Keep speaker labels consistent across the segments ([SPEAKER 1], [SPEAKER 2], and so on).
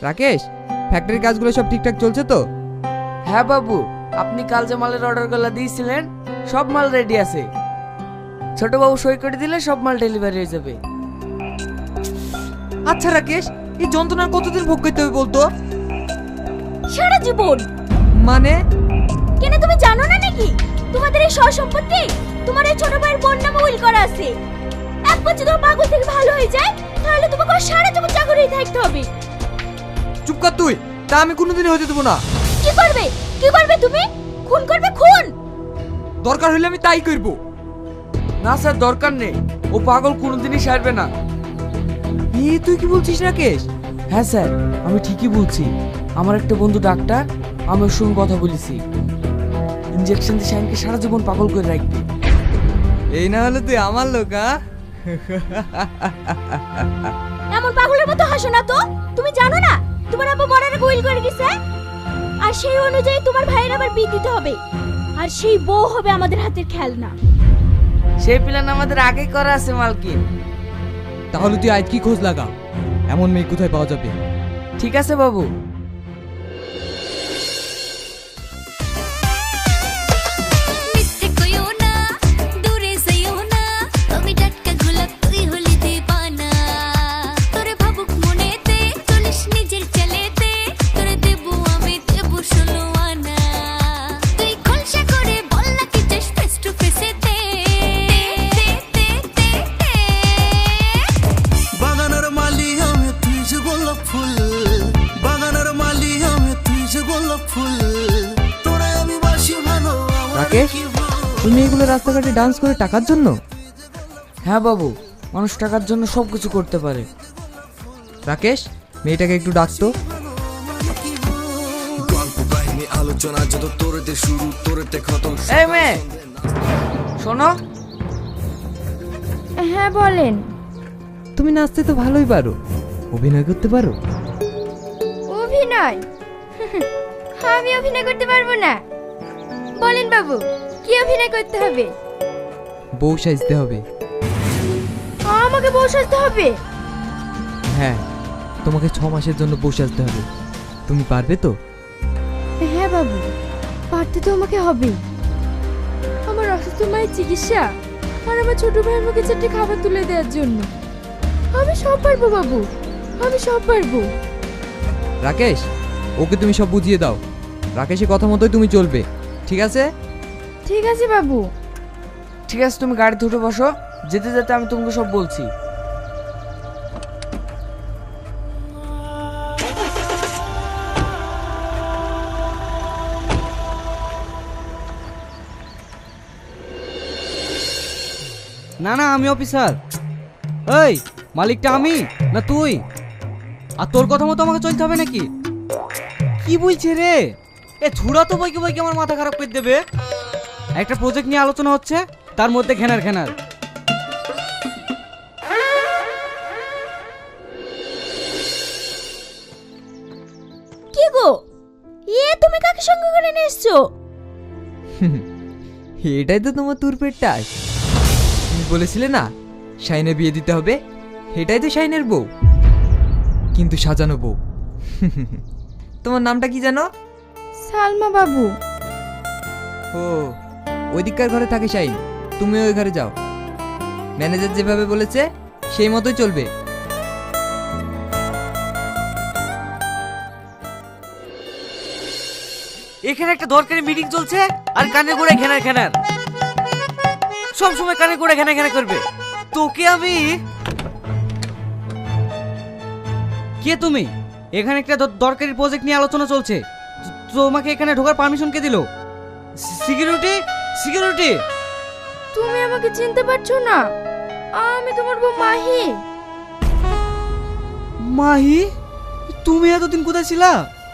[SPEAKER 1] রাকেশ, ফ্যাক্টরির কাজগুলো সব ঠিকঠাক চলছে তো?
[SPEAKER 2] হ্যাঁ বাবু, আপনি কাল যে মালের অর্ডারগুলো দিয়েছিলেন সব মাল রেডি আছে। ছোট বাবু সই করে দিলে সব মাল ডেলিভারি হয়ে যাবে।
[SPEAKER 1] আচ্ছা রাকেশ, এই যন্ত্রণার কতদিন ভোগ করতে হবে বলতো?
[SPEAKER 3] সারা জীবন।
[SPEAKER 1] মানে?
[SPEAKER 3] কেন তুমি জানো না নাকি তোমাদের এই সব সম্পত্তি তোমার এই ছোট ভাইয়ের বোন নামে উইল করা আছে। একবার যদি ও পাগল থেকে ভালো হয়ে যায় তাহলে তোমাকে আর সারা জীবন চাকরি থাকতে হবে।
[SPEAKER 1] চুপ কর তুই, তা আমি কোনোদিনই হতে দেবো না।
[SPEAKER 3] কি করবে? কি করবে তুমি? খুন করবে? খুন?
[SPEAKER 1] দরকার হলে আমি তাই করব।
[SPEAKER 2] না স্যার, দরকার নেই, ও পাগল কোনোদিনই সারবে না।
[SPEAKER 1] তুই কি বলছিস রাকেশ?
[SPEAKER 2] হ্যাঁ স্যার, আমি ঠিকই বলছি। আমার একটা বন্ধু ডাক্তার, আমি ওর সঙ্গে কথা বলেছি। ইনজেকশন দিয়ে শাইনকে সারা জীবন পাগল করে রাখবে।
[SPEAKER 1] এই না হলে তুই আমার লোক, হ্যাঁ?
[SPEAKER 3] এমন পাগলের মতো হাসো না তো। তুমি জানো না তোমার আব্বু মরার উইল করে গেছে, আর সেই অনুযায়ী তোমার ভাইয়ের আবার বিয়ে দিতে হবে, আর সেই বউ হবে আমাদের হাতের খেলনা।
[SPEAKER 2] সেই প্ল্যান আমাদের আগেই করা আছে মালকিন।
[SPEAKER 1] তাহলে তুই আজ কি খোঁজ লাগা, এমন মেয়ে কোথায় পাওয়া যাবে?
[SPEAKER 2] ঠিক আছে বাবু।
[SPEAKER 1] রাকেশ, তুমি এগুলো রাস্তাঘাটে ডান্স করে টাকার জন্য?
[SPEAKER 2] হ্যাঁ বাবু, মানুষ টাকার জন্য সবকিছু করতে পারে।
[SPEAKER 1] রাকেশ, মেয়েটাকে একটু ডাকতো।
[SPEAKER 2] এই মেয়ে, শোনো।
[SPEAKER 3] হ্যাঁ বলেন।
[SPEAKER 1] তুমি নাচতে তো ভালোই পারো, অভিনয় করতে পারো?
[SPEAKER 3] অভিনয়? আমি অভিনয় করতে পারবো না। বলেন বাবু, কি অভিনয় করতে হবে?
[SPEAKER 1] বউ সাজতে হবে।
[SPEAKER 3] আমাকে বউ সাজতে হবে?
[SPEAKER 1] হ্যাঁ, তোমাকে 6 মাসের জন্য বউ সাজতে হবে। তুমি পারবে তো?
[SPEAKER 3] হ্যাঁ বাবু, পারতে তো আমাকে হবে। আমার অসুস্থ মায়ের চিকিৎসা আর আমার ছোট ভাইয়ের মুখে 4টে খাবার তুলে দেওয়ার জন্য আমি সব পারবো বাবু, আমি সব পারবো।
[SPEAKER 1] রাকেশ, ওকে তুমি সব বুঝিয়ে দাও। রাকেশের কথা মতোই তুমি চলবে, ঠিক আছে?
[SPEAKER 3] ঠিক আছে বাবু।
[SPEAKER 2] ঠিক আছে, তুমি গাড়িতে উঠে বসো, যেতে যেতে আমি তোমাকে সব বলছি।
[SPEAKER 4] না না, আমি অফিসার। এই, মালিকটা আমি না তুই? আর তোর কথা মতো আমাকে চলতে হবে নাকি? কি বলছে রে? এ ছুড়া তো বইকে বইকে আমার মাথা খারাপ করে দেবে। একটা প্রজেক্ট নিয়ে আলোচনা হচ্ছে, তার মধ্যে ঘেনার ঘেনার।
[SPEAKER 3] কি গো, তুমি কাকে সঙ্গে করে নিয়ে এসছো?
[SPEAKER 1] এটাই তো তোমার তুরপের টাস। তুমি বলেছিলে না শাইনের বিয়ে দিতে হবে, এটাই তো শাইনের বউ, কিন্তু সাজানো বউ। তোমার নামটা কি জানো?
[SPEAKER 3] সালমা বাবু।
[SPEAKER 1] ও, ওইদিককার ঘরে থাকে শাইন, তুমি ওই ঘরে যাও। ম্যানেজার যেভাবে বলেছে সেই মতোই চলবে।
[SPEAKER 4] এখানে একটা দরকারি মিটিং চলছে আর কানে গোড়ায় ঘেনার ঘেনার। সব সময় কানে গোড়ায় ঘেনা ঘেনা করবে। তোকে আমি... কে তুমি? এখানে একটা দরকারি প্রজেক্ট নিয়ে আলোচনা চলছে, তোমাকে এখানে ঢোকার পারমিশন কে দিল? Security, security.
[SPEAKER 3] তুমি আমাকে চিনতে পারছো না? আমি তোমার বউ মাহি।
[SPEAKER 4] মাহি, তুমি এতদিন কোথায় ছিলা?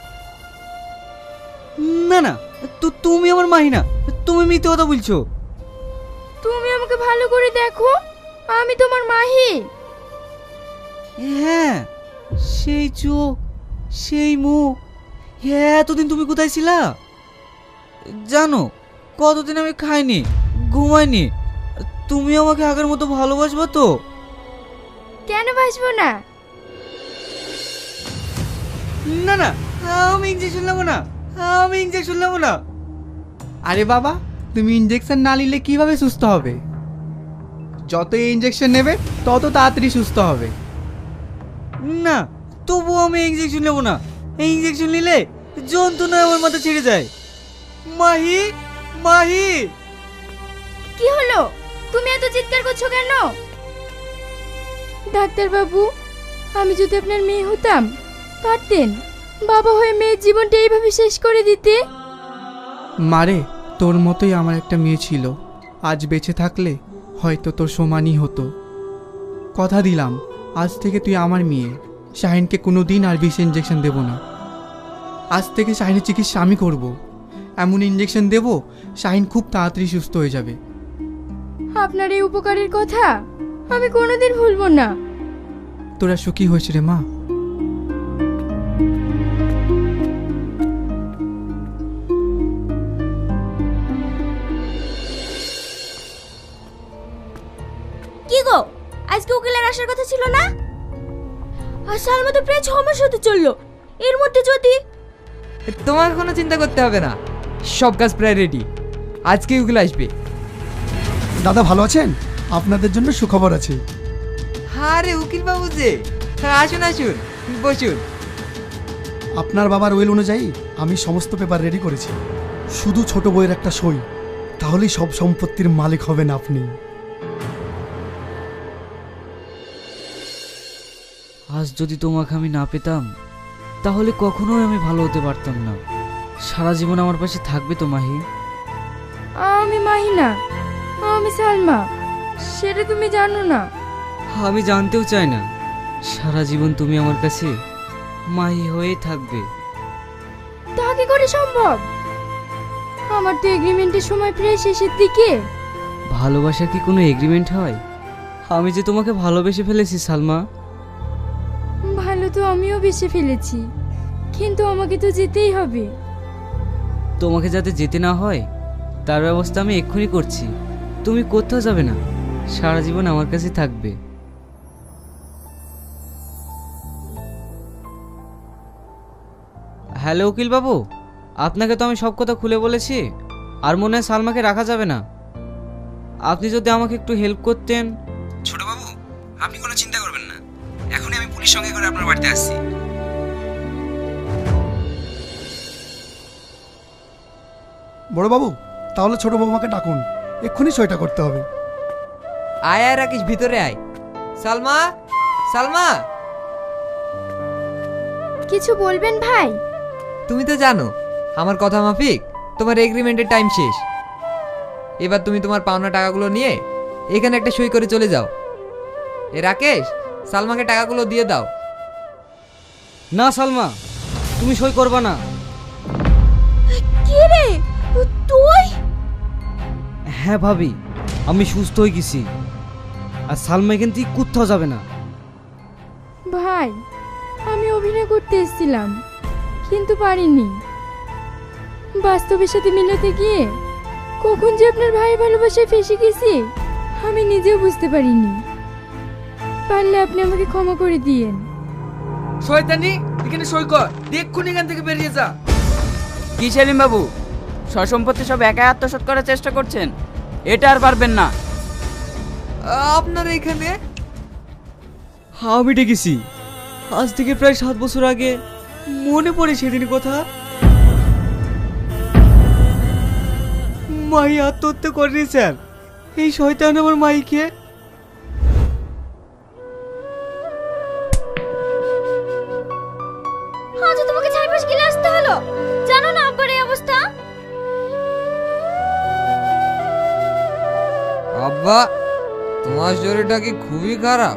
[SPEAKER 4] না না, তুমি আমার মাহি না, তুমি মিথ্যে কথা বলছো।
[SPEAKER 3] তুমি আমাকে ভালো করে দেখো, আমি তোমার মাহি।
[SPEAKER 4] হ্যাঁ, সেই চোখ, সেই মুখ। হ্যাঁ, এতদিন তুমি কোথায় ছিলা? জানো, কতদিন আমি খাইনি, ঘুমাইনি। তুমি আমাকে আগের মতো ভালোবাসবে তো?
[SPEAKER 3] কেন বাসবো না?
[SPEAKER 4] না না, আমি ইঞ্জেকশন নেবো না, আমি ইঞ্জেকশন নেবো না।
[SPEAKER 5] আরে বাবা, তুমি ইঞ্জেকশন না নিলে কিভাবে সুস্থ হবে? যত ইঞ্জেকশন নেবে তত তাড়াতাড়ি সুস্থ হবে।
[SPEAKER 4] না, তবুও আমি ইঞ্জেকশন নেবো না। এই ইঞ্জেকশন নিলে যন্ত্রণায় আমার মাথা ছেড়ে যায়। মাহি, মাহি।
[SPEAKER 3] কি হলো? তুমি এত চিৎকার করছো কেন? ডাক্তার বাবু, আমি যদি আপনার মেয়ে হতাম পারতেন বাবা হয়ে মেয়ের জীবনটা এইভাবে শেষ করে দিতে?
[SPEAKER 5] মারে, তোর মতোই আমার একটা মেয়ে ছিল। আজ বেঁচে থাকলে হয়তো তোর সমানই হতো। কথা দিলাম, আজ থেকে তুই আমার মেয়ে। শাহিনকে কোনো দিন আর বিষ ইঞ্জেকশন দেব না। আজ থেকে শাহিনের চিকিৎসা আমি করব। এমন ইঞ্জেকশন দেব শাহিন খুব তাড়াতাড়ি সুস্থ হয়ে যাবে।
[SPEAKER 3] আপনার এই উপকারের কথা আমি কোনোদিন ভুলবো না।
[SPEAKER 5] তোরা সুখী হয়েছে রে মা।
[SPEAKER 3] কি গো, আজকে উকিলের আসার কথা ছিল না? আর সালমা তো প্রায় 6 মাস হতে চললো। এর মধ্যে যদি
[SPEAKER 1] তোমার কোনো চিন্তা করতে হবে না, সব কাজ প্রায় রেডি। আজকেই ওগুলো আসবে।
[SPEAKER 6] দাদা ভালো আছেন? আপনাদের জন্য সুখবর আছে।
[SPEAKER 1] আরে উকিল বাবু যে, আসুন আসুন, বসুন।
[SPEAKER 6] আপনার বাবার উইল অনুযায়ী আমি সমস্ত পেপার রেডি করেছি। শুধু ছোট বইয়ের একটা সই, তাহলেই সব সম্পত্তির মালিক হবেন আপনি।
[SPEAKER 4] আজ যদি তোমাকে আমি না পেতাম তাহলে কখনোই আমি ভালো হতে পারতাম না। সারা জীবন আমার পাশে থাকবে তো মাহি?
[SPEAKER 3] আমি মাহি না, আমি সালমা। সেটা তুমি জানো না।
[SPEAKER 4] আমি জানতেও চাই না। সারা জীবন তুমি আমার কাছে মাহি হয়ে থাকবে।
[SPEAKER 3] তা কি করে সম্ভব? আমার তো এগ্রিমেন্টের সময় প্রায় শেষের দিকে।
[SPEAKER 4] ভালোবাসা কি কোনো এগ্রিমেন্ট হয়? আমি যে তোমাকে ভালোবেসে ফেলেছি সালমা।
[SPEAKER 3] ভালো তো আমিও বেশি ফেলেছি, কিন্তু আমাকে তো যেতেই হবে।
[SPEAKER 4] তোমাকে যাতে যেতে না হয় তার ব্যবস্থা আমি এক্ষুনি করছি। তুমি কোথাও যাবে না, সারা জীবন আমার কাছে থাকবে। হ্যালো উকিল বাবু, আপনাকে তো আমি সব কথা খুলে বলেছি। আর মনে হয় সালমাকে রাখা যাবে না। আপনি যদি আমাকে একটু হেল্প করতেন।
[SPEAKER 7] ছোট বাবু, আপনি কোনো চিন্তা করবেন না, এখনই আমি পুলিশ সঙ্গে করে আপনার বাড়িতে আসছি।
[SPEAKER 6] বড় বাবু, তাহলে ছোট বৌমাকে ডাকুন, এক্ষুনি সইটা করতে হবে।
[SPEAKER 1] আয় আয় রাকিস, ভিতরে আয়। সালমা, সালমা।
[SPEAKER 3] কিছু বলবেন ভাই?
[SPEAKER 1] তুমি তো জানো আমার কথা মাফিক তোমার এগ্রিমেন্টের টাইম শেষ। এবার তুমি তোমার পাওনা টাকাগুলো নিয়ে এখানে একটা সই করে চলে যাও। এ রাকেশ, সালমাকে টাকাগুলো দিয়ে দাও।
[SPEAKER 4] না সালমা, তুমি সই করবা না।
[SPEAKER 3] কি রে তুই?
[SPEAKER 4] হ্যাঁ ভাবি, আমি সুস্থ হয়ে গেছি। আর সালমা এখান থেকে কোথাও যাবে না।
[SPEAKER 3] ভাই, আমি অভিনয় করতে এসেছিলাম কিন্তু পারিনি। বাস্তবের সাথে মিলাতে গিয়ে কখন যে আপনার ভাই ভালোবাসায় ফেসে গেছি আমি নিজেও বুঝতে পারিনি। পারলে আপনি আমাকে ক্ষমা করে দিয়েন।
[SPEAKER 2] শয়তানি, এখানে সই কর, দেখুন এখান থেকে বেরিয়ে যা। কি সেলিম বাবু, সসম্পত্তি সব একাই আত্মসাৎ করার চেষ্টা করছেন? এটা আর পারবেন না।
[SPEAKER 1] আপনার এখানে
[SPEAKER 4] আমি ডেকেছি আজ থেকে প্রায় 7 বছর আগে। মনে পড়ে সেদিন কথা। মাই আত্মহত্যা করেনি স্যার। এই শয়তান আমার মাইকে।
[SPEAKER 3] আজ তোমাকে 4 মাস গেলে আসতে হলো। জানো না আব্বার এই অবস্থা?
[SPEAKER 1] আব্বা, তোমার শরীরটা কি খুবই খারাপ?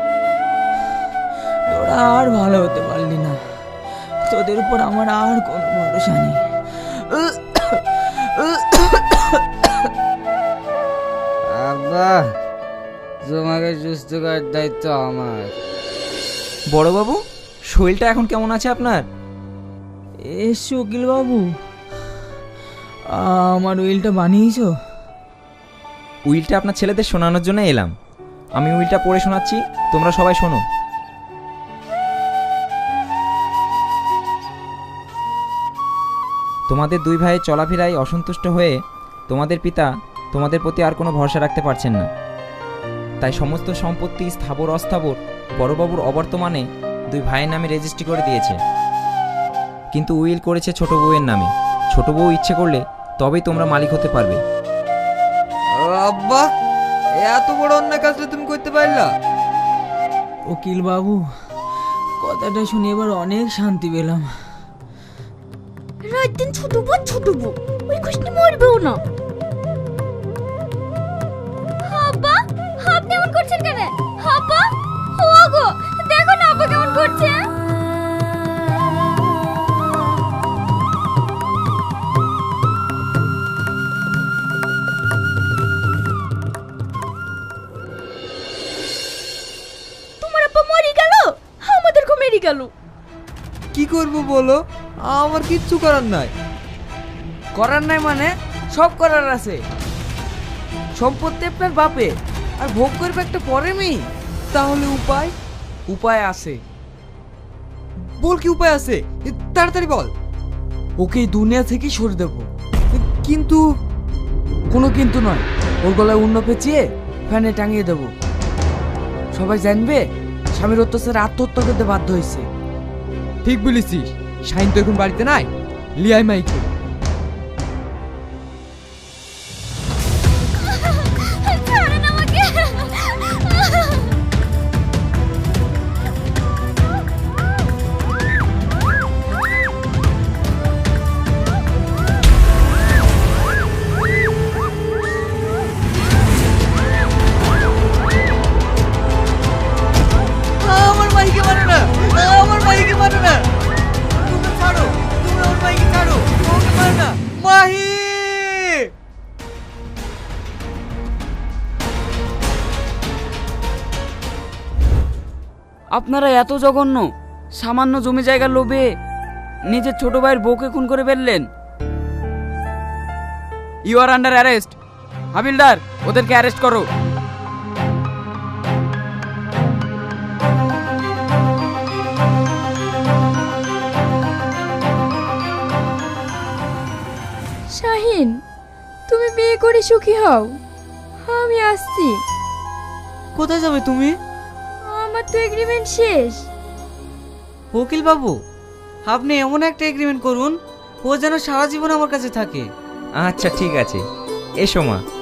[SPEAKER 2] তোরা আর ভালো হতে পারলি না, তোদের উপর আমার আর কোনো ভরসা নেই।
[SPEAKER 4] আব্বা, তোমাকে সুস্থ করার দায়িত্ব আমার।
[SPEAKER 7] বড় বাবু, শরীরটা এখন কেমন আছে আপনার?
[SPEAKER 2] এসো উকিল বাবু, আমার উইলটা বানিয়েছো?
[SPEAKER 7] উইলটা আপনার ছেলেদের শোনানোর জন্য এলাম। আমি উইলটা পড়ে শোনাচ্ছি, তোমরা সবাই শোনো। তোমাদের দুই ভাইয়ের চলাফেরায় অসন্তুষ্ট হয়ে তোমাদের পিতা তোমাদের প্রতি আর কোনো ভরসা রাখতে পারছেন না। তাই সমস্ত সম্পত্তি স্থাবর অস্থাবর বড়বাবুর অবর্তমানে দুই ভাইয়ের নামে রেজিস্ট্রি করে দিয়েছে। কিন্তু উইল করেছে ছোট বউয়ের নামে। ছোট বউ ইচ্ছে করলে তবেই তোমরা মালিক হতে পারবে।
[SPEAKER 1] আব্বা, এত বড় অন্যায় কাজটা তুমি করতে পারলা?
[SPEAKER 8] উকিল বাবু, কথাটা শুনে এবার অনেক শান্তি পেলাম।
[SPEAKER 3] রাত দিন ছোট বউ ওই কৃষ্ণ মরবেও না। আব্বা, আপনি এমন করছেন কেন? আব্বা, ও গো, দেখো না আব্বা কেমন করছে। তোমার আব্বা মরে গেল, আমাদেরকে মেরে গেল।
[SPEAKER 1] কি করব বলো? আমার কিচ্ছু করার নাই।
[SPEAKER 2] করার নাই মানে সব করার আছে। সম্পত্তি আপনার বাপে, আর ভোগ করবে একটা পরে মেয়ে।
[SPEAKER 1] তাহলে উপায়?
[SPEAKER 2] উপায় আছে।
[SPEAKER 1] বল, কি উপায় আছে? তাড়াতাড়ি বল।
[SPEAKER 2] ওকে এই দুনিয়া থেকেই সরিয়ে দেবো।
[SPEAKER 1] কিন্তু
[SPEAKER 2] কোনো কিন্তু নয়, ওর গলায় উন্ন পেঁচিয়ে ফ্যানে টাঙিয়ে দেবো। সবাই জানবে স্বামীর অত্যাচারে আত্মহত্যা করতে বাধ্য হয়েছে।
[SPEAKER 1] ঠিক বলেছিস। শাইন তো এখন বাড়িতে নাই, লিয়াই মাইকে।
[SPEAKER 3] ছাড়েন আমাকে।
[SPEAKER 1] আমার মাইকে মারো না, আমার মাইকে মারো না। তুমি ছাড়ো, তুমি আমার মাইকে ছাড়ো, ওকে মারো না। মাহি!
[SPEAKER 2] আপনারা এত জঘন্য, সামান্য জমি জায়গার লোভে নিজের ছোট ভাইয়ের বউকে খুন করে ফেললেন। You are under arrest. হাবিলদার, ওদেরকে অ্যারেস্ট করো।
[SPEAKER 3] শাহিন, তুমি বিয়ে করে সুখী হও, আমি আসছি।
[SPEAKER 4] কোথায় যাবে তুমি?
[SPEAKER 3] আমার তো এগ্রিমেন্ট শেষ।
[SPEAKER 4] উকিল বাবু, আপনি এমন একটা এগ্রিমেন্ট করুন ও যেন সারা জীবন আমার কাছে থাকে।
[SPEAKER 7] আচ্ছা ঠিক আছে, এসো মা।